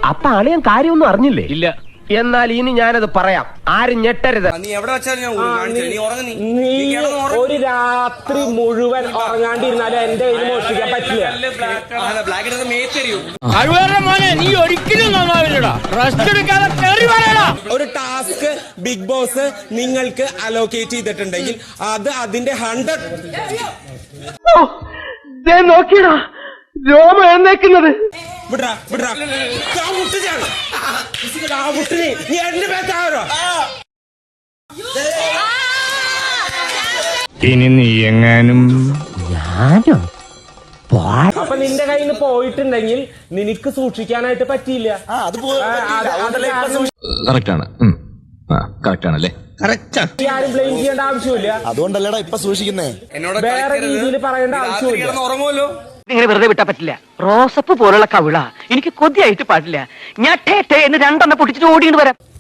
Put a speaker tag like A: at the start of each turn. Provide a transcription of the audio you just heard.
A: അപ്പൊ അളിയൻ കാര്യമൊന്നും അറിഞ്ഞില്ലേ?
B: ഇല്ല.
A: എന്നാൽ ഇനി ഞാനത് പറയാം, ആരും ഞെട്ടരുത്.
C: നീ എവിടെ വെച്ചാൽ
D: നീ ഒരു രാത്രി മുഴുവൻ ഉറങ്ങാണ്ടിരുന്നാലും എന്റെ കയ്യിൽ മോഷ്ടിക്കാൻ പറ്റില്ല.
B: നീ ഒരിക്കലും നന്നാവില്ലടാ. റെസ്റ്റ് എടുക്കാതെ കേറി വരടാ.
D: ഒരു ടാസ്ക് ബിഗ് ബോസ് നിങ്ങൾക്ക് അലോക്കേറ്റ് ചെയ്തിട്ടുണ്ടെങ്കിൽ അത് അതിന്റെ 100
A: നോക്കിയടാ രോമ എഴുന്നേക്കുന്നത്.
D: വിടറാ വിടറാ നീ എന്റെ പേരാണോ?
B: ഇനി നീ എങ്ങാനും
A: ഞാനോ?
D: അപ്പൊ നിന്റെ കയ്യിൽ നിന്ന് പോയിട്ടുണ്ടെങ്കിൽ നിനക്ക് സൂക്ഷിക്കാനായിട്ട് പറ്റിയില്ല.
E: കറക്റ്റാണ്. കറക്റ്റാണല്ലേ?
D: ആരും ബ്ലെയിം ചെയ്യേണ്ട ആവശ്യമില്ല.
F: അതുകൊണ്ടല്ലേടാ ഇപ്പൊ സൂക്ഷിക്കുന്നേ.
D: വേറെ രീതിയിൽ പറയേണ്ട ആവശ്യമില്ല.
C: ഉറങ്ങുമല്ലോ.
G: ഇങ്ങനെ വെറുതെ വിട്ടാ പറ്റില്ല. റോസപ്പ് പോലുള്ള കവിള എനിക്ക് കൊതിയായിട്ട് പാടില്ല. ഞാൻ ടേ ടേ എന്ന് 2 പൊട്ടിച്ചിട്ട് ഓടിയിട്ട് വരാം.